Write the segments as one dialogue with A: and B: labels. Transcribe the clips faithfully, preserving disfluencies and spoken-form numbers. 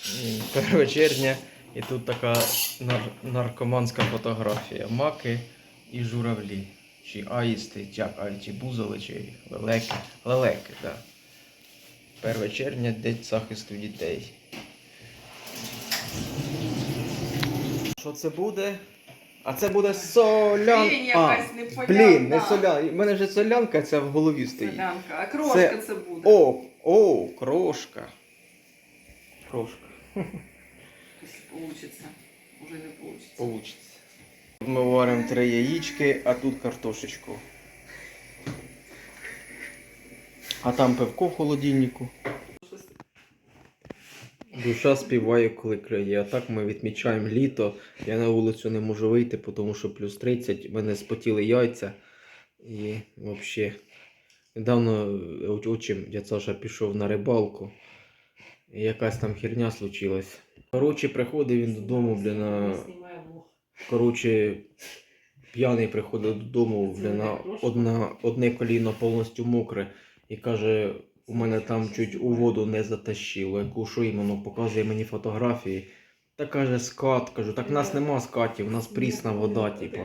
A: перше червня і тут така нар наркоманська фотографія. Маки і журавлі. Чи аїсти, як, а, чи бузоли, чи лелеки. Лелеки, так. Да. перше червня, День захисту дітей. Що це буде? А це буде солянка.
B: Блін, якась непонятна.
A: Блін, не солянка. У мене вже солянка ця в голові стоїть.
B: Солянка. А крошка це, це буде.
A: О, о, крошка. Крошка.
B: Якщо получиться. Уже не получиться.
A: Получиться. Ми варимо три яєчки, а тут картошечку. А там пивко в холодильнику. Душа співає, коли криє. А так ми відмічаємо літо. Я на вулицю не можу вийти, тому що плюс тридцять. В мене спотіли яйця. І взагалі. Недавно отчим дядь Саша пішов на рибалку. І якась там херня случилась. Коротше, приходив він додому, блін, на... Коротше, п'яний приходив додому, блін, на одна, одне коліно повністю мокре. І каже, у мене там чуть у воду не затащило. Яку що іменно, показує мені фотографії. Та каже, скат. Кажу, так в нас нема скатів, у нас прісна вода, типа.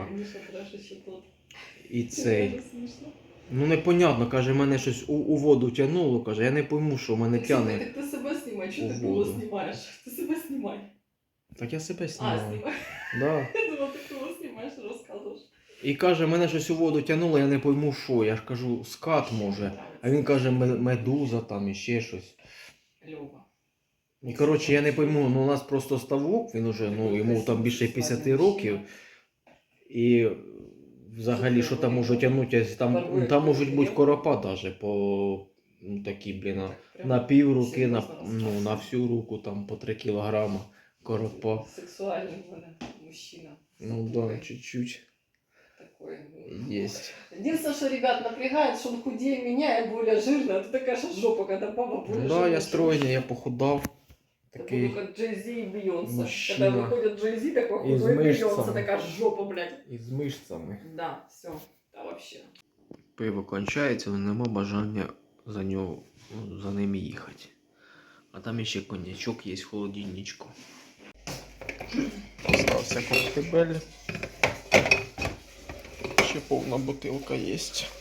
A: І цей. Ну непонятно, каже, мене щось у, у воду тягнуло, каже, я не пойму, що мене тягне.
B: Так ти себе знімай, чого ти кого знімаєш? Ти себе знімай.
A: Так я себе
B: А,
A: знімаю.
B: знімай.
A: Да.
B: Я думала, ти кого знімаєш, розказуєш.
A: І каже, мене щось у воду тягнуло, я не пойму що. Я ж кажу, скат може. А він каже, медуза там і ще щось.
B: Льова.
A: І коротше, я не пойму, ну у нас просто ставок, він уже, ну йому там більше п'ятдесят років. І взагалі, що там може тягнути, там, там можуть бути коропа навіть по ну, такі, блін, на пів руки, на, ну, на всю руку, там по три кілограма коропа.
B: Сексуальний в мене мужчина.
A: Ну да, чуть-чуть.
B: Такой.
A: Есть.
B: Единственное, что ребят напрягает, что он худее меня и более жирный. А ты такая же жопа, когда папа более
A: Ну, да,
B: жирный.
A: я стройный, я похудал.
B: Такой...
A: Такий
B: как Джей-Зи и Бейонсе.
A: мужчина.
B: Когда выходит Джей-Зи, такой
A: И с
B: худой Бейонсе,
A: мышцами.
B: такая жопа, блядь.
A: із мишцями.
B: Да, все. Да вообще.
A: Пиво кончається, але нема бажання за нього, за ним їхати. А там ще коньячок є в холодильничку. Остався коктебель. Ще повна бутилка є.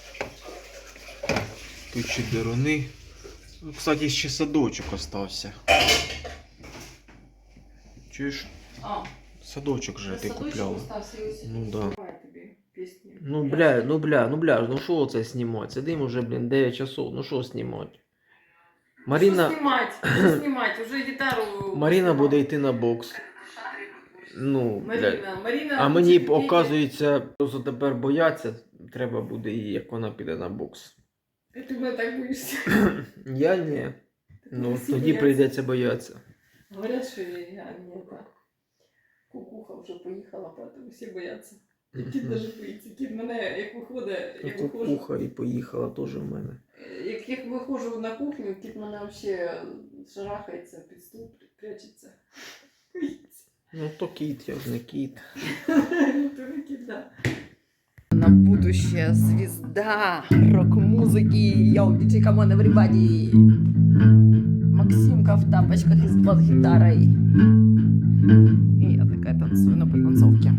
A: Тут ще деруни. Кстати, ще садочок остався. Чуєш?
B: А,
A: Садочок же ти купляла. Ну да.
B: Песни.
A: Ну бля, ну бля, ну бля, ну що це знімати? Сидимо вже, блін, дев'ять часов, ну що знімати? Маріна...
B: Що знімати? Що знімати? Уже гітару...
A: Маріна буде йти на бокс. Ну,
B: Маріна,
A: бля.
B: Маріна...
A: А мені, оказується, просто тепер бояться, треба буде їй, як вона піде на бокс.
B: Ти мене так боїшся?
A: Я ні. Ну,
B: Всі
A: тоді
B: бояться.
A: прийдеться боятися.
B: Говорят, що я не так. Кукуха вже поїхала, поэтому всі бояться. І кіт даже боїться. Кіт мене, як виходить, як виходжу...
A: Кукуха і поїхала теж в мене.
B: Як, як виходжу на кухню, кіт мене взагалі шарахається під стул, прячеться. Боїться.
A: Ну то кіт, я ж не кіт.
B: То не кіт, да. На будущее звезда рок-музыки. Йоу, диджей, come on, everybody. Максимка в тапочках и с бас-гитарой. И я такая танцую на подтанцовке.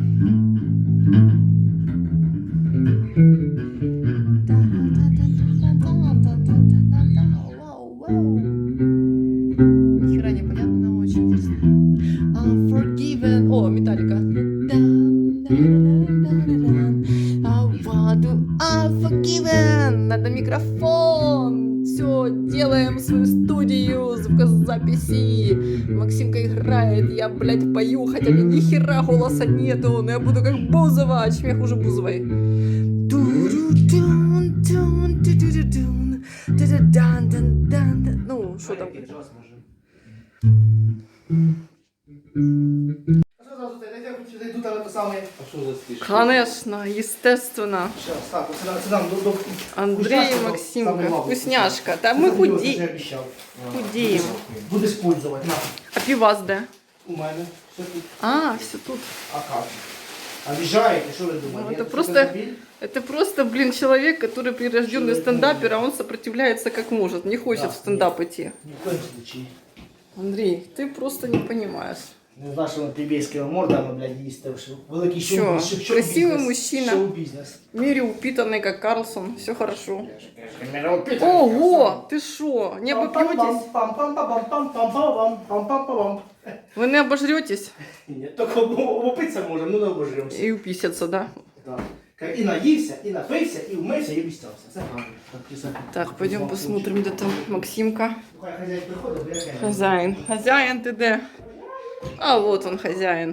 B: Нихера не понятно, но очень интересно. I'm forgiven. О, Металлика. I'm forgiven. Надо микрофон. Все, делаем свою студию звукозаписи. Максимка играет, я, блядь, пою, хотя ни хера голоса нету, но я буду как Бузова, а чем я хуже Бузовой. Ну, что там? Конечно, естественно. Андрей и Максимка. Вкусняшка. Да мы худеем. Худеем.
C: Будешь пользовать, на.
B: А пивас, да?
C: У мене. Все тут.
B: А, все тут.
C: А как? Обижаете, что вы думаете?
B: Ну, это
C: Я
B: просто-
C: что-то забил?
B: Это просто, блин, человек, который прирожденный стендапер, а он сопротивляется как может. Не хочет
C: Да,
B: в стендап идти.
C: Ни в коем случае.
B: Андрій, ти просто не розумієш.
C: Не знаю, що на плебейськими мордами, блядь, їсти. що Великий
B: Що?
C: шоу, шоу, шоу
B: Красивий
C: бізнес,
B: мужчина.
C: Шоу-бізнес.
B: В мире упитанный, как Карлсон. Все хорошо. Ого, ты шо, не обопьетесь?
C: Пам-пам-пам-пам-пам-пам-пам-пам-пам-пам.
B: Вы не обожретесь?
C: Ні, тільки обопитися можемо, ну не обожремося.
B: И уписаться, да?
C: Так. І наївся, і напився, і вмився, і обіцявся. Все правильно. Так, все.
B: Так, пойдем посмотрим, где там Максимка.
C: Хай хазяїн приходить, бо я кажу.
B: Хозяин. Хозяин ты где? А вот он, хозяин.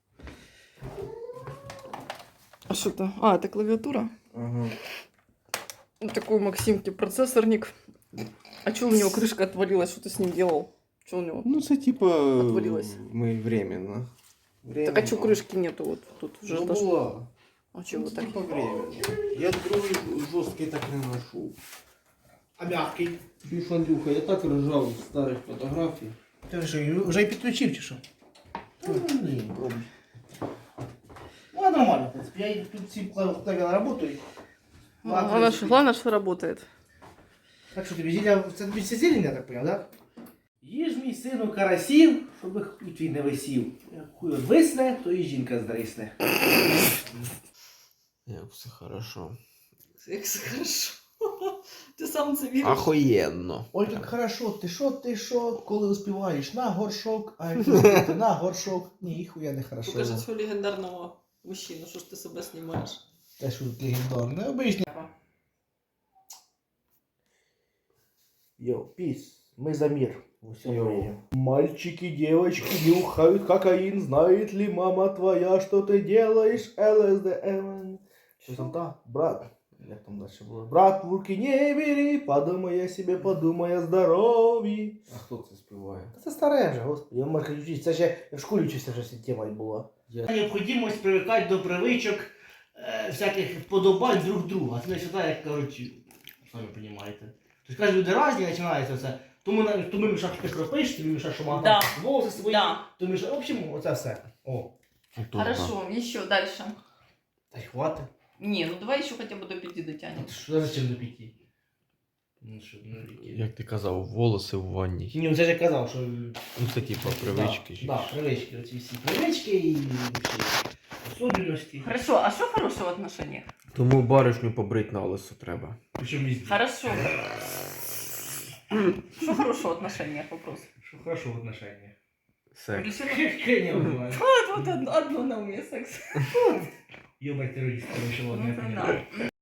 B: А что то? А, это клавиатура?
A: Ага.
B: Вот такой у Максимки процессорник. А что у него крышка отвалилась? Что ты с ним делал? Что у него?
A: Ну, це типа
B: Отвалилось.
A: ми временно. временно.
B: Так а что крышки нету? Вот тут уже
A: Ну,
B: отошло.
A: була.
B: А чего так?
A: Типа временно. Я другий жорсткий так не ношу.
C: А м'який?
A: Чуєш, Андрюха, я так ржав з старих фотографій.
C: Ти що, вже й підключив чи що?
A: Ну, ні, пробуй.
C: Ну, а нормально, в принципі. Я їх тут всі клаві на роботу. і-
B: Главное, что, главное, что работает.
C: Так що тобі зілля, це тобі це зілля, я так поняв, так? Їж мій сину карасів, щоб хуй твій не висів. Як хуй висне, то і жінка здрисне.
A: Як все хорошо.
B: Як все хорошо. Ти сам це віриш?
A: Охуєнно.
C: Ой, як хорошо, ти що, ти що, коли успіваєш на горшок, а як ти на горшок, ні, хуя не хорошо.
B: Покажи свого легендарного мужчину, що ж ти себе знімаєш.
C: Те, що тут легендарне, обичне. Йо, піс, мы за мир. во всем
A: Йоу.
C: мире. Мальчики, девочки нюхают кокаин. Знает ли мама твоя, что ты делаешь? ЛСД, МН. Что там, да? Брат. Як там дальше було? Брат, в руки не бери, подумай о себе, подумай о здоров'ї.
A: А хто це співає?
C: Це старе вже, господи. Я можу вчитися. Це ще я в школі вчився, вже ця тема була.
A: Я...
C: Необхідність привикати до привичок, е, всяких вподобань друг друга. Це не сюди, як кажуть, самі розумієте. Тобто, кажуть, люди різні починається це. Тому, на- тому мішаш ти кропиш, тобі мішаш, що мама
B: Да.
C: там волоси свої,
B: Да.
C: то мішаш, в общем, оце все. О,
B: Хорошо, еще дальше.
C: та й хватить.
B: Не, ну давай еще хотя бы до пяти дотянем.
C: Що зачем до п'яті? Ну, що, ну, які?
A: Як ти казав, волоси в ванні.
C: Ні, ну це ж я казав, що...
A: Ну це типа привички.
C: Так, да, привички, оці всі привички і всі особливості.
B: Хорошо, а что хорошего в отношениях?
A: Тому баришню побрить на лисо треба.
C: Причому везде.
B: Хорошо. Что хорошего в отношениях вопрос?
C: Що хорошо в отношениях.
A: Секс.
C: Я не знаю.
B: Вот, вот одно, одно на уме секс.
C: Ёбать террористы, еще ладно, я
B: Ну,
C: понял.
B: да.